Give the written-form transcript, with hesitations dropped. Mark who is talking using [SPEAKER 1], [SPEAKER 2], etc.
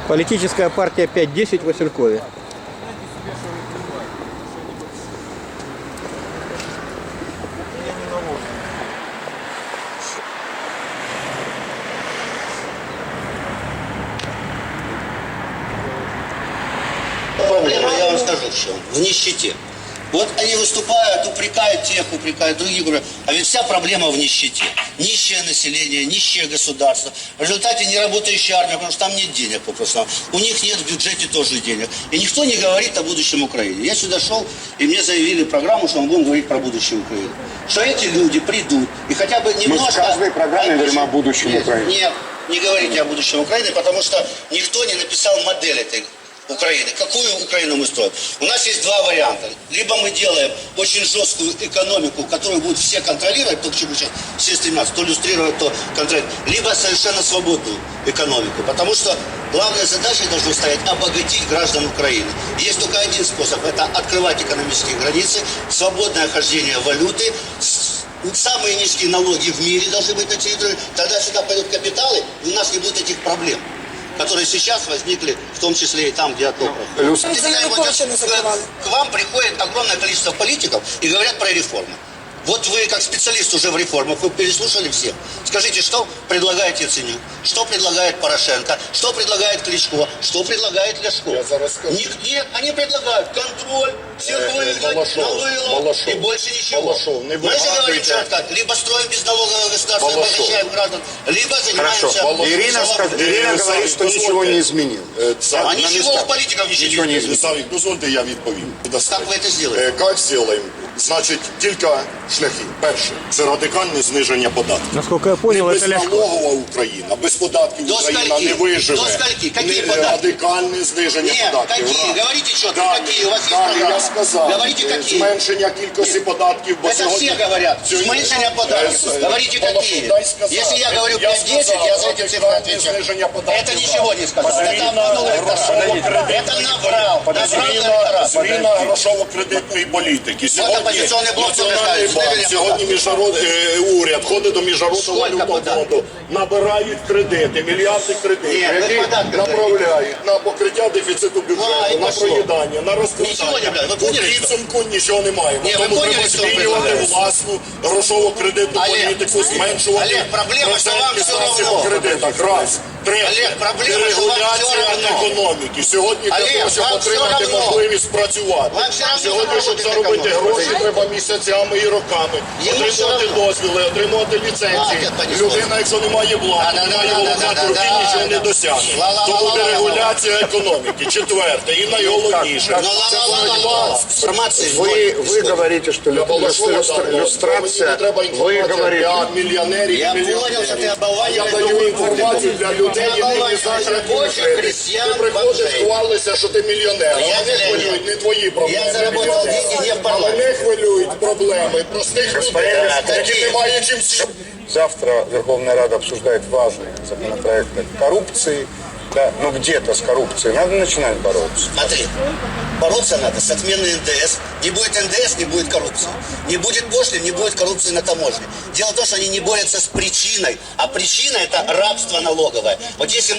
[SPEAKER 1] Политическая партия 5-10 в Василькове.
[SPEAKER 2] Проблема, я вам скажу, в чем. В нищете. Вот они выступают, упрекают тех, упрекают других, говорят, а ведь вся проблема в нищете. Нищее население, нищее государство. В результате неработающая армия, потому что там нет денег попросту. У них нет в бюджете тоже денег. И никто не говорит о будущем Украины. Я сюда шел, и мне заявили программу, что мы будем говорить про будущее Украины. Что эти люди придут и хотя бы немножко...
[SPEAKER 3] Мы в каждой программе говорим о будущем Украины.
[SPEAKER 2] Нет, не говорите о будущем Украины, потому что никто не написал модель этой Украины. Какую Украину мы строим? У нас есть два варианта. Либо мы делаем очень жесткую экономику, которую будут все контролировать, то, к чему сейчас все стремятся, то иллюстрировать, то контролировать. Либо совершенно свободную экономику. Потому что главная задача должна стоять обогатить граждан Украины. Есть только один способ. Это открывать экономические границы, свободное хождение валюты, самые низкие налоги в мире должны быть на территории. Тогда сюда пойдут капиталы, и у нас не будет этих проблем, которые сейчас возникли, в том числе и там, где отток. К вам приходит огромное количество политиков и говорят про реформы. Вот вы, как специалист уже в реформах, вы переслушали всех. Скажите, что предлагает Яценюк, что предлагает Порошенко, что предлагает Кличко, что предлагает Ляшко?
[SPEAKER 3] Я зараз скажу.
[SPEAKER 2] Нет, они предлагают контроль, всех выгнать, налыло и больше ничего.
[SPEAKER 3] Малашов, не
[SPEAKER 2] Мы же говорим
[SPEAKER 3] выматывайте.
[SPEAKER 2] четко, либо строим безналоговое государство,
[SPEAKER 3] Малашов.
[SPEAKER 2] обогащаем граждан, либо занимаемся...
[SPEAKER 3] Ирина говорит, что ничего не изменил.
[SPEAKER 2] А ничего у политиков ничего не изменилось.
[SPEAKER 4] Савік, дозвольте, я відповім.
[SPEAKER 2] Как вы это сделаете?
[SPEAKER 4] Як зробимо? Значить, кілька шляхів. Перше, це радикальне зниження податків.
[SPEAKER 1] Насколько я понял,
[SPEAKER 4] Не
[SPEAKER 1] это Ляшко.
[SPEAKER 4] безналогова Україна, без податків
[SPEAKER 2] До
[SPEAKER 4] Україна
[SPEAKER 2] скольки?
[SPEAKER 4] не виживе.
[SPEAKER 2] До скольки? Какие
[SPEAKER 4] Не-
[SPEAKER 2] податки?
[SPEAKER 4] Радикальне зниження
[SPEAKER 2] Нет,
[SPEAKER 4] податків.
[SPEAKER 2] какие?
[SPEAKER 4] Раз.
[SPEAKER 2] Говорите четко,
[SPEAKER 4] Далі,
[SPEAKER 2] какие? У вас есть
[SPEAKER 4] далі
[SPEAKER 2] программа.
[SPEAKER 4] я сказав,
[SPEAKER 2] Говорите, какие?
[SPEAKER 4] зменшення кількості податків. бо
[SPEAKER 2] Это
[SPEAKER 4] сьогодні-
[SPEAKER 2] все говорят.
[SPEAKER 4] сьогодні-
[SPEAKER 2] Смешение податков. Говорите, какие?
[SPEAKER 4] Дай сказати.
[SPEAKER 2] Если я говорю 5-10, я за эти цифры отвечаю. Это ничего не сказал. Это обманул электорат. Это наврал. Наврал электорат.
[SPEAKER 4] Зміна грошово-кредитної політики. Сьогодні
[SPEAKER 2] опозиційний блок
[SPEAKER 4] Національний
[SPEAKER 2] замикають.
[SPEAKER 4] банк, сьогодні уряд ходить до Міжнародного валютного фонду, набирають кредити, мільярди кредитів,
[SPEAKER 2] Ні, ви
[SPEAKER 4] які
[SPEAKER 2] податки
[SPEAKER 4] направляють на покриття дефіциту
[SPEAKER 2] А,
[SPEAKER 4] бюджету,
[SPEAKER 2] і
[SPEAKER 4] на
[SPEAKER 2] пішло.
[SPEAKER 4] проїдання, на
[SPEAKER 2] Нічого не
[SPEAKER 4] розкрадання.
[SPEAKER 2] брали. Ви
[SPEAKER 4] У
[SPEAKER 2] поняли, що?
[SPEAKER 4] підсумку нічого немає.
[SPEAKER 2] Ні, ви
[SPEAKER 4] Тому
[SPEAKER 2] поняли,
[SPEAKER 4] треба
[SPEAKER 2] що
[SPEAKER 4] змінювати
[SPEAKER 2] предлагається?
[SPEAKER 4] власну грошово-кредитну
[SPEAKER 2] Олег,
[SPEAKER 4] політику, зменшувати
[SPEAKER 2] Олег, проблема, що вам
[SPEAKER 4] процентні
[SPEAKER 2] все
[SPEAKER 4] ставки
[SPEAKER 2] равно.
[SPEAKER 4] по кредитах. Раз. Третє.
[SPEAKER 2] Олег, проблема, що вам все
[SPEAKER 4] Дерегуляція
[SPEAKER 2] равно.
[SPEAKER 4] економіки. Сьогодні для
[SPEAKER 2] Олег,
[SPEAKER 4] того, щоб
[SPEAKER 2] вам все
[SPEAKER 4] отримати
[SPEAKER 2] равно.
[SPEAKER 4] можливість працювати.
[SPEAKER 2] Вам все равно
[SPEAKER 4] Сьогодні, щоб
[SPEAKER 2] заробити
[SPEAKER 4] заробити
[SPEAKER 2] економіку.
[SPEAKER 4] гроші, треба місяцями і роками.
[SPEAKER 2] Йому все
[SPEAKER 4] Отримувати
[SPEAKER 2] равно.
[SPEAKER 4] дозвіли, отримувати ліцензії.
[SPEAKER 2] Так, я понесу.
[SPEAKER 4] Людина, якщо не має влади, не має головати руки, нічого не досягне. Тому дерегуляція економіки. Четверте і найголовніше. Це боротьба з
[SPEAKER 2] Информации.
[SPEAKER 3] Вы говорите, что люстрация, вы говорите,
[SPEAKER 4] для мільйонерів
[SPEAKER 2] Я
[SPEAKER 4] і
[SPEAKER 2] понял,
[SPEAKER 4] мільйонерів.
[SPEAKER 2] что ты оболваниваешь
[SPEAKER 4] Я даю
[SPEAKER 2] другую
[SPEAKER 4] інформацію
[SPEAKER 2] публику.
[SPEAKER 4] для людей,
[SPEAKER 2] Ты
[SPEAKER 4] які не
[SPEAKER 2] оболваниваешь
[SPEAKER 4] знають, як
[SPEAKER 2] рабочих,
[SPEAKER 4] жити.
[SPEAKER 2] крестьян,
[SPEAKER 4] Ти приходиш,
[SPEAKER 2] бомжей.
[SPEAKER 4] хвалишся, що ти мільйонер. А
[SPEAKER 2] Я
[SPEAKER 4] вони
[SPEAKER 2] миллионер.
[SPEAKER 4] хвилюють не твої проблеми.
[SPEAKER 2] Я заработал деньги не в
[SPEAKER 4] А
[SPEAKER 2] парламенте.
[SPEAKER 4] мене хвилюють проблеми простих людей, які не мають чим сіяти.
[SPEAKER 3] завтра Верховная Рада обсуждает важные законопроекты коррупции. Да, ну где-то с коррупцией надо начинать бороться.
[SPEAKER 2] Смотри, бороться надо с отменой НДС. Не будет НДС, не будет коррупции. Не будет пошлин, не будет коррупции на таможне. Дело в том, что они не борются с причиной, а причина – это рабство налоговое. Вот если